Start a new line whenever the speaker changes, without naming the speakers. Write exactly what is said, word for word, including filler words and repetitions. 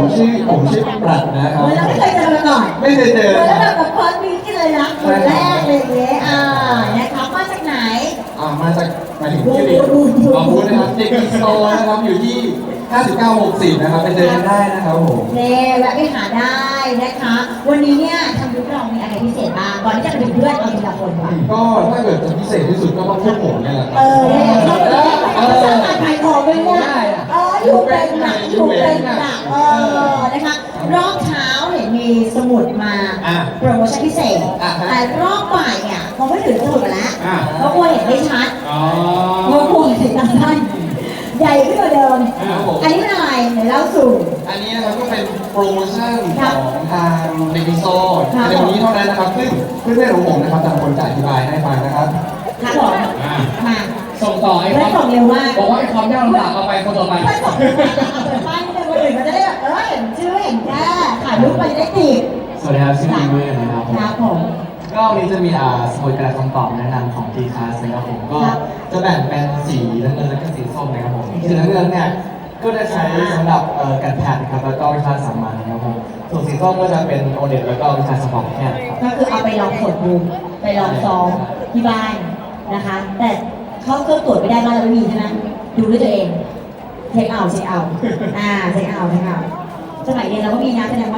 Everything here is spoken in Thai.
ผมชื่อผมชื่อปรัชนะครับ
เราไม่เคยเจอมาก่อน
ไม่เคยเจอ
แล้วแบบแบบเฟิร์สวีคเลยนะคนแรกเลยอย่างเงี้ยอ่านะคะมาจากไหน
อ่ามาจากหมายถึงที่เรียนขอบคุณนะครับเด็กอินโตนะครับอยู่ที่ห้าสิบเก้า หกสิบนะครับไปเจอกันได้นะครับผม
เน่แวะไปหาได้นะคะ วันนี้เนี่ยทางยุคเรามีอะไรพิเศษบ้างก่อนที่จะไปถึงเพื่อนเอาทีละคนก่อน
ก็ถ้าเกิดจะพิเศษที่สุดก็ต้องพวกผมเนี่ยแหละครั
เออเนี่ยเขาเป็นเขาสร้างการขายของด้วยเนี่ยเอออยู่เป็นหนักอยู่เป็นหนักเออนะคะรอบเช้าเห็นมีสมุดมา
อ่ะ
โปรโมชั่นพิเศษ
อ่ะฮะ
แต่รอบบ่ายเนี่ยคงไม่ถึงสมุดมาแล้ว
อ่ะ
เพราะกลัวเห็นไม่ชัด
อ๋อ
กลัวกลัวเห็นตาสั้นใหญ่ขึ้นกว่าเดิม
ครับผม
อันนี้เป็นอะไรเดี๋ยวเล่าสู่
อันนี้นะครับก็เป็นโปรโมชั่น
ค
ข
รับ
องทางเด็กอินโต
ครับ
ในวันนี้เท่านั้นนะครับซึ่งเพื่อนๆของผมนะครับจะเป็นคนจะอธิบายให้ฟังนะครับ
ครับผม
อ่า
มา
ส่งต่อไอ้ค
เพื่อ
วาน ม
ส่งเร็วมาก
บอกว่าไอ้ความยากลำบากเอาไปคนต่อไป
เพื่อนส่งเร็วมากเปิดป้ายนิดนึงคนอื่นมันจะได้แบบเออเห็นชื่อเห็นแค่ถ่ายรูปไปจะได้ติด
สวัสดีครับชื่ออีเวอร์นะครับผม
ครับผม
ก็วันนี้จะมีอ่าสมุดกระดาษคำตอบแนะนำของ ที คลาส นะครับผมก็
ครับ
จะแบ่งเป็นสีน้ำเงินและก็สีส้มนะครับผมสีน้ำเงินเนี่ยก็จะใช้สำหรับเอ่อการแพทย์นะครับแล้วก็วิชาสามัญนะครับผมส่วนสีส้มก็จะเป็นโอเน็ตแล้วก็วิชาสมองแพทย์ครับ
ก็คือเอาไปลองตรวจดูไปลองซ้อมที่บ้านนะคะ แต่เขาเครื่องตรวจไม่ได้บ้านเราไม่มีใช่ไหมดูด้วยตัวเองเช็คเอาท์เช็คเอาท์อ่าเช็คเอาท์เช็คเอาท์สมัยเรียนเราก็มีนะแสดงว่า